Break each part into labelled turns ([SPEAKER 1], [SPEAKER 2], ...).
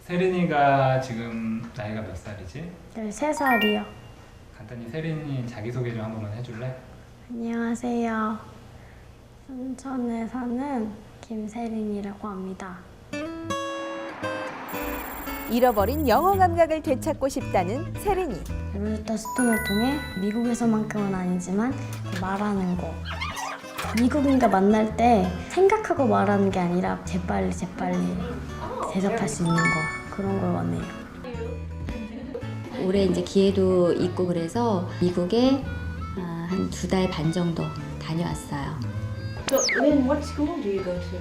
[SPEAKER 1] 세린이가 지금 나이가 몇 살이지?
[SPEAKER 2] 13살이요.
[SPEAKER 1] 간단히 세린이 자기소개 좀 한 번만 해줄래?
[SPEAKER 2] 안녕하세요. 순천에 사는 김세린이라고 합니다.
[SPEAKER 3] 잃어버린 영어 감각을 되찾고 싶다는 세린이.
[SPEAKER 2] 로제타 스톤을 통해 미국에서만큼은 아니지만 말하는 거. 미국인과 만날 때 생각하고 말하는 게 아니라 재빨리 대답할 수 있는 거. 그런 걸 원해요.
[SPEAKER 4] 올해 이제 기회도 있고 그래서 미국에 한 2달 반 정도 다녀왔어요.
[SPEAKER 5] So, Lynn, what school do you go to?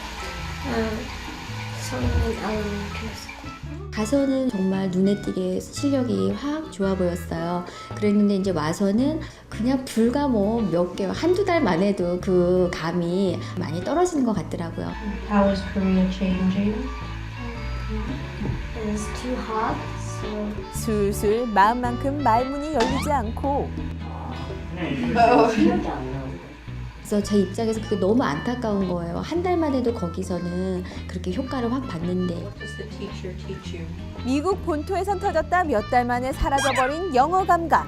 [SPEAKER 2] 성인 elementary school.
[SPEAKER 4] 가서는 정말 눈에 띄게 실력이 확 좋아 보였어요. 그랬는데 이제 와서는 그냥 불과 뭐 몇 개월, 한두 달만 해도 그 감이 많이 떨어지는 것 같더라고요.
[SPEAKER 5] How is Korea changing?
[SPEAKER 2] It's too hot, so
[SPEAKER 3] 술술 마음만큼 말문이 열리지 않고
[SPEAKER 2] 기억이 안 나요.
[SPEAKER 4] 그래서 제 입장에서 그게 너무 안타까운 거예요. 한 달만 해도 거기서는 그렇게 효과를 확 봤는데
[SPEAKER 5] What does the teacher teach you?
[SPEAKER 3] 미국 본토에선 터졌다 몇 달 만에 사라져버린 영어 감각.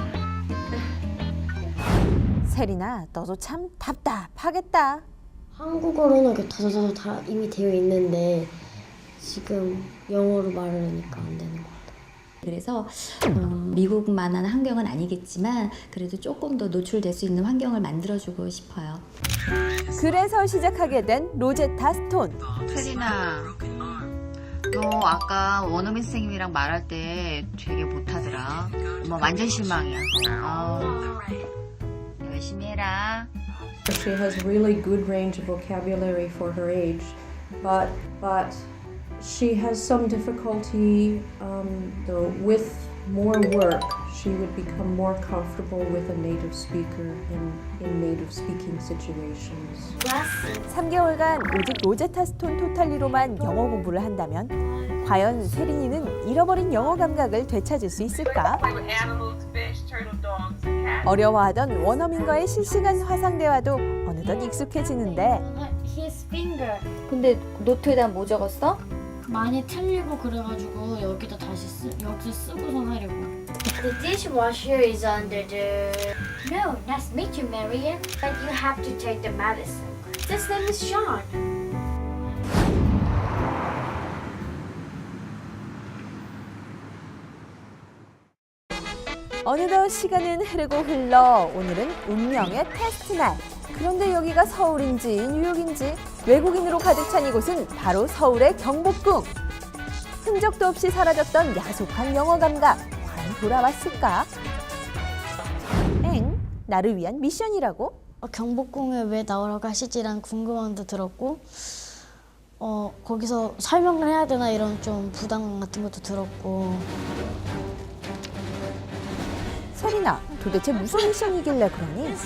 [SPEAKER 3] 세린아, 너도 참 답답하겠다.
[SPEAKER 2] 한국어로는 이렇게 다저저저 다 이미 되어 있는데 지금 영어로 말을 하니까 안 되는 것 같아요.
[SPEAKER 4] 그래서 미국만한 환경은 아니겠지만 그래도 조금 더 노출될 수 있는 환경을 만들어주고 싶어요.
[SPEAKER 3] 그래서 시작하게 된 로제타 스톤.
[SPEAKER 6] 세린아, 너 아까 원어민 선생님이랑 말할 때 되게 못하더라. 엄마 완전 실망이야. 열심히 해라.
[SPEAKER 7] She has really good range of vocabulary for her age, but she has some difficulty though with more work. She would become more comfortable with a native speaker in native speaking situations.
[SPEAKER 3] 3개월간 오직 로제타 스톤 토탈리로만 영어 공부를 한다면 과연 세린이는 잃어버린 영어 감각을 되찾을 수 있을까? 어려워하던 원어민과의 실시간 화상 대화도 어느덧 익숙해지는데
[SPEAKER 2] His finger.
[SPEAKER 4] 근데 노트에다 뭐 적었어?
[SPEAKER 2] 많이 틀리고 그래가지고 여기다 다시 여기서 쓰고선 하려고. The dishwasher is under the. No, nice to meet you, Marian. But you have to take the medicine. This name is Sean.
[SPEAKER 3] 어느덧 시간은 흐르고 흘러 오늘은 운명의 테스트 날. 그런데 여기가 서울인지 뉴욕인지 외국인으로 가득 찬 이곳은 바로 서울의 경복궁. 흔적도 없이 사라졌던 야속한 영어 감각. 과연 돌아왔을까? 엥? 나를 위한 미션이라고?
[SPEAKER 2] 경복궁에 왜 나오라고 하시지라는 궁금함도 들었고 거기서 설명을 해야 되나 이런 좀 부담감 같은 것도 들었고.
[SPEAKER 3] 세린아, 도대체 무슨 미션이길래 그러니?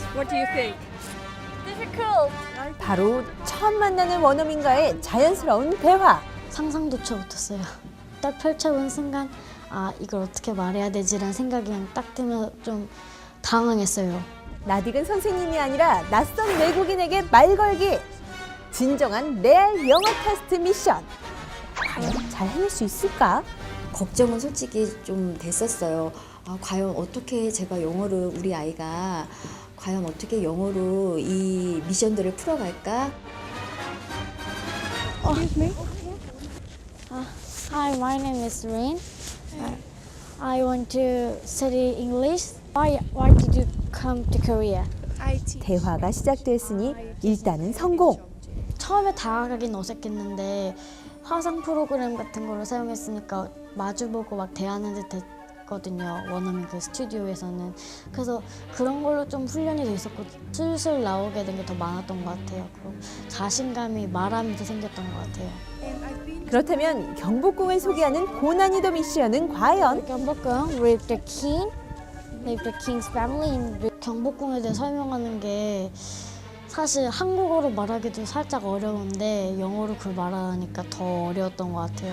[SPEAKER 3] 바로 처음 만나는 원어민과의 자연스러운 대화.
[SPEAKER 2] 상상조차 못했어요. 딱 펼쳐본 순간 이걸 어떻게 말해야 되지라는 생각이 그냥 딱 들면 좀 당황했어요.
[SPEAKER 3] 낯익은 선생님이 아니라 낯선 외국인에게 말 걸기. 진정한 레알 영어 테스트 미션. 과연 잘 해낼 수 있을까?
[SPEAKER 4] 걱정은 솔직히 좀 됐었어요. 과연 어떻게 제가 영어를 우리 아이가 과연 어떻게 영어로 이 미션들을 풀어갈까?
[SPEAKER 2] Hi, my name is Rain. I want to study English. Why did you come to Korea?
[SPEAKER 3] 대화가 시작됐으니 일단은 성공.
[SPEAKER 2] 처음에 다가가긴 어색했는데 화상 프로그램 같은 거를 사용했으니까 마주보고 막 대하는 듯 했거든요. 원어민 그 스튜디오에서는. 그래서 그런 걸로 좀 훈련이 돼 있었고 슬슬 나오게 된 게 더 많았던 것 같아요. 그리고 자신감이 말하면서 생겼던 것 같아요.
[SPEAKER 3] 그렇다면 경복궁을 소개하는 고난이도 미션은 과연?
[SPEAKER 2] 경복궁, Rape the King, Rape the King's Family. 경복궁에 대해 설명하는 게 사실 한국어로 말하기도 살짝 어려운데 영어로 그걸 말하니까 더 어려웠던 것 같아요.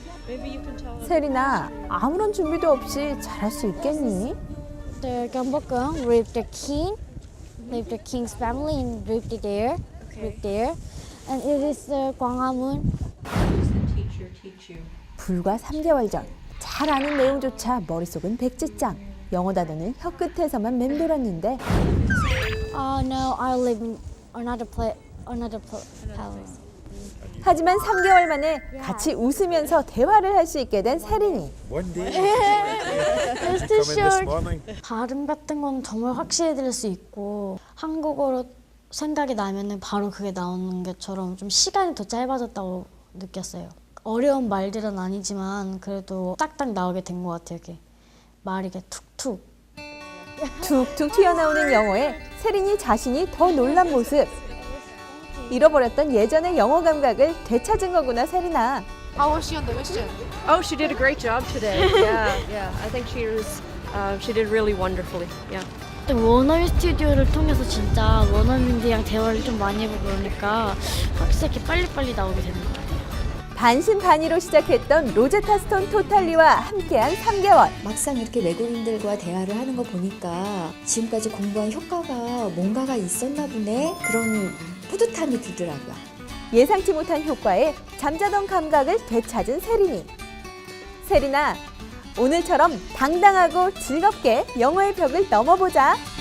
[SPEAKER 3] 세린아, 아무런 준비도 없이 잘할 수 있겠니?
[SPEAKER 2] The 경복궁, Rape the King, Rape the King's Family in Rape there, Rape there, and it is the 광화문.
[SPEAKER 5] What does the teacher teach you?
[SPEAKER 3] 불과 3개월 전. 잘 아는 내용조차 머릿속은 백지장. 영어 단어는 혀끝에서만 맴돌았는데
[SPEAKER 2] No, I live in another palace.
[SPEAKER 3] 하지만 3개월 만에 같이 웃으면서 대화를 할 수 있게 된 세린이.
[SPEAKER 8] One day.
[SPEAKER 2] It's too
[SPEAKER 8] Come in this
[SPEAKER 2] short.
[SPEAKER 8] morning.
[SPEAKER 2] 발음 같은 건 정말 확실히 들을 수 있고 한국어로 생각이 나면은 바로 그게 나오는 것처럼 좀 시간이 더 짧아졌다고 느꼈어요. 어려운 말들은 아니지만 그래도 딱딱 나오게 된 것 같아요. 이렇게 말이 이렇게 툭툭.
[SPEAKER 3] 툭툭 튀어나오는 영어에 세린이 자신이 더 놀란 모습. 잃어버렸던 예전의 영어 감각을 되찾은 거구나, 세린아.
[SPEAKER 9] How was she on the mission? Oh, she did a great job today. Yeah. I think she did really wonderfully. Yeah.
[SPEAKER 2] 원어민 스튜디오를 통해서 진짜 원어민들이랑 대화를 좀 많이 해보고 그러니까 확실히 이렇게 빨리빨리 나오게 되는 것 같아요.
[SPEAKER 3] 반신반의로 시작했던 로제타 스톤 토탈리와 함께한 3개월.
[SPEAKER 4] 막상 이렇게 외국인들과 대화를 하는 거 보니까 지금까지 공부한 효과가 뭔가가 있었나 보네. 그런 뿌듯함이 들더라고요.
[SPEAKER 3] 예상치 못한 효과에 잠자던 감각을 되찾은 세린이. 세린아, 오늘처럼 당당하고 즐겁게 영어의 벽을 넘어보자.